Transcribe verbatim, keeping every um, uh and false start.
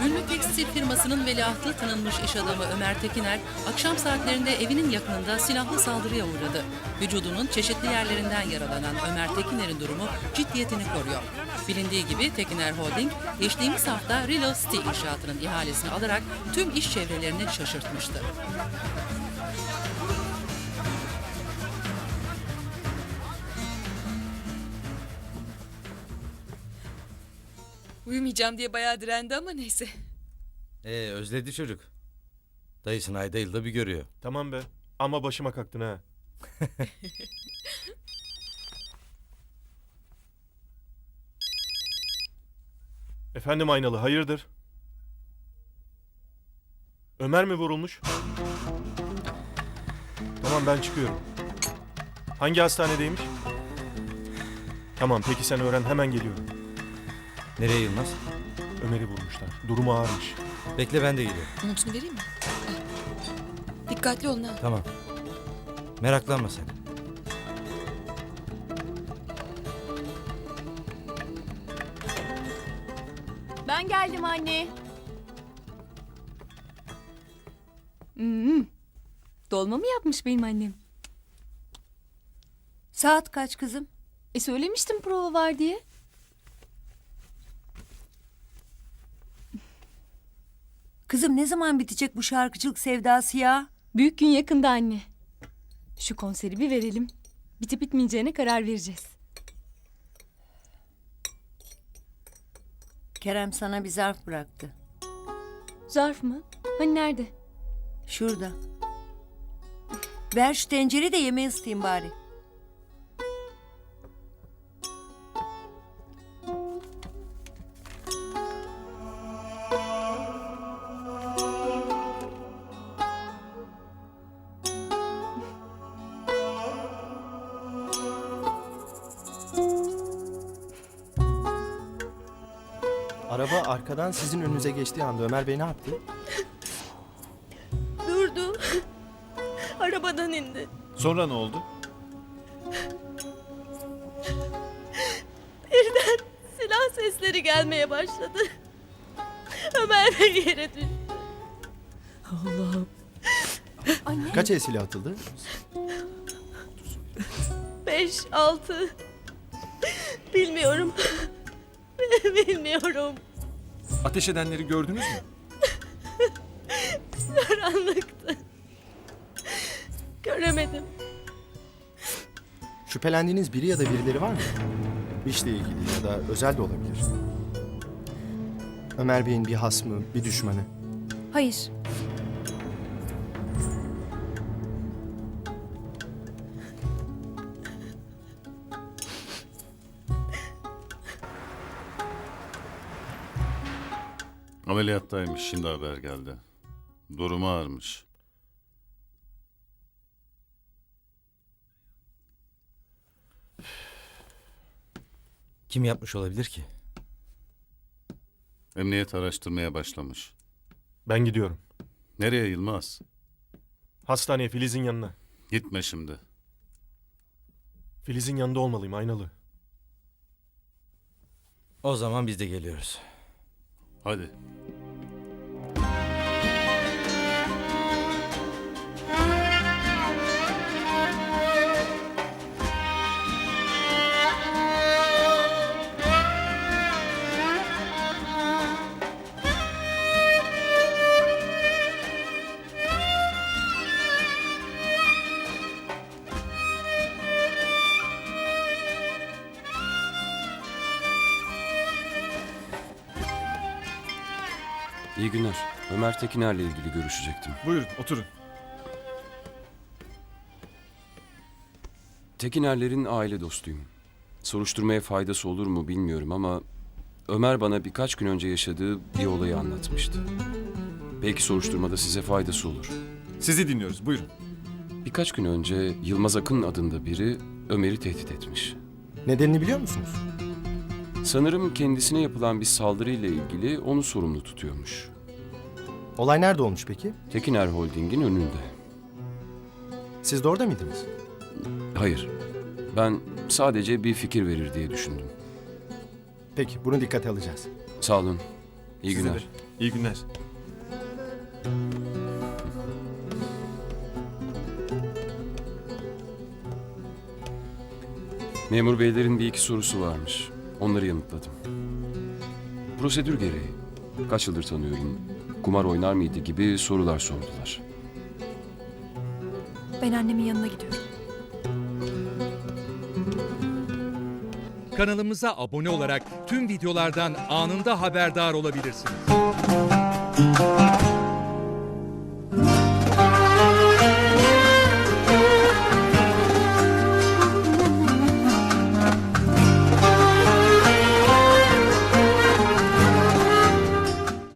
Ünlü tekstil firmasının veliahtı tanınmış iş adamı Ömer Tekiner, akşam saatlerinde evinin yakınında silahlı saldırıya uğradı. Vücudunun çeşitli yerlerinden yaralanan Ömer Tekiner'in durumu ciddiyetini koruyor. Bilindiği gibi Tekiner Holding, geçtiğimiz hafta Real City inşaatının ihalesini alarak tüm iş çevrelerini şaşırtmıştı. Uyumayacağım diye bayağı direndi ama neyse. Ee özledi çocuk. Dayısını ayda yılda bir görüyor. Tamam be. Ama başıma kalktın ha. Efendim Aynalı, hayırdır? Ömer mi vurulmuş? Tamam, ben çıkıyorum. Hangi hastanedeymiş? Tamam, peki sen öğren, hemen geliyorum. Nereye Yılmaz? Ömer'i vurmuşlar. Durumu ağırmış. Bekle, ben de geliyorum. Montunu vereyim mi? Al. Dikkatli olun ha. Tamam. Meraklanma sen. Ben geldim anne. Hmm. Dolma mı yapmış benim annem? Saat kaç kızım? E söylemiştim prova var diye. Kızım ne zaman bitecek bu şarkıcılık sevdası ya? Büyük gün yakında anne. Şu konseri bir verelim. Bitip bitmeyeceğine karar vereceğiz. Kerem sana bir zarf bıraktı. Zarf mı? Hani nerede? Şurada. Ver şu tencereyi de yemeği ısıtayım bari. Araba arkadan sizin önünüze geçtiği anda Ömer Bey ne yaptı? Durdu. Arabadan indi. Sonra ne oldu? Birden silah sesleri gelmeye başladı. Ömer Bey yere düştü. Kaç el silah atıldı? Beş, altı. Bilmiyorum. Bilmiyorum. Ateş edenleri gördünüz mü? Karanlıktı. Göremedim. Şüphelendiğiniz biri ya da birileri var mı? İşle ilgili ya da özel de olabilir. Ömer Bey'in bir hasmı, bir düşmanı. Hayır. Ameliyattaymış, şimdi haber geldi. Durumu ağırmış. Kim yapmış olabilir ki? Emniyet araştırmaya başlamış. Ben gidiyorum. Nereye Yılmaz? Hastaneye, Filiz'in yanına. Gitme şimdi. Filiz'in yanında olmalıyım Aynalı. O zaman biz de geliyoruz. Hadi. İyi günler. Ömer Tekiner'le ilgili görüşecektim. Buyurun, oturun. Tekiner'lerin aile dostuyum. Soruşturmaya faydası olur mu bilmiyorum ama Ömer bana birkaç gün önce yaşadığı bir olayı anlatmıştı. Belki soruşturmada size faydası olur. Sizi dinliyoruz, buyurun. Birkaç gün önce Yılmaz Akın adında biri Ömer'i tehdit etmiş. Nedenini biliyor musunuz? Sanırım kendisine yapılan bir saldırıyla ilgili onu sorumlu tutuyormuş. Olay nerede olmuş peki? Tekiner Holding'in önünde. Siz de orada mıydınız? Hayır, ben sadece bir fikir verir diye düşündüm. Peki, bunu dikkate alacağız. Sağ olun. İyi Size günler. de. İyi günler. Memur beylerin bir iki sorusu varmış. Onları yanıtladım. Prosedür gereği. Kaç yıldır tanıyorum, kumar oynar mıydı gibi sorular sordular. Ben annemin yanına gidiyorum. Kanalımıza abone olarak tüm videolardan anında haberdar olabilirsiniz.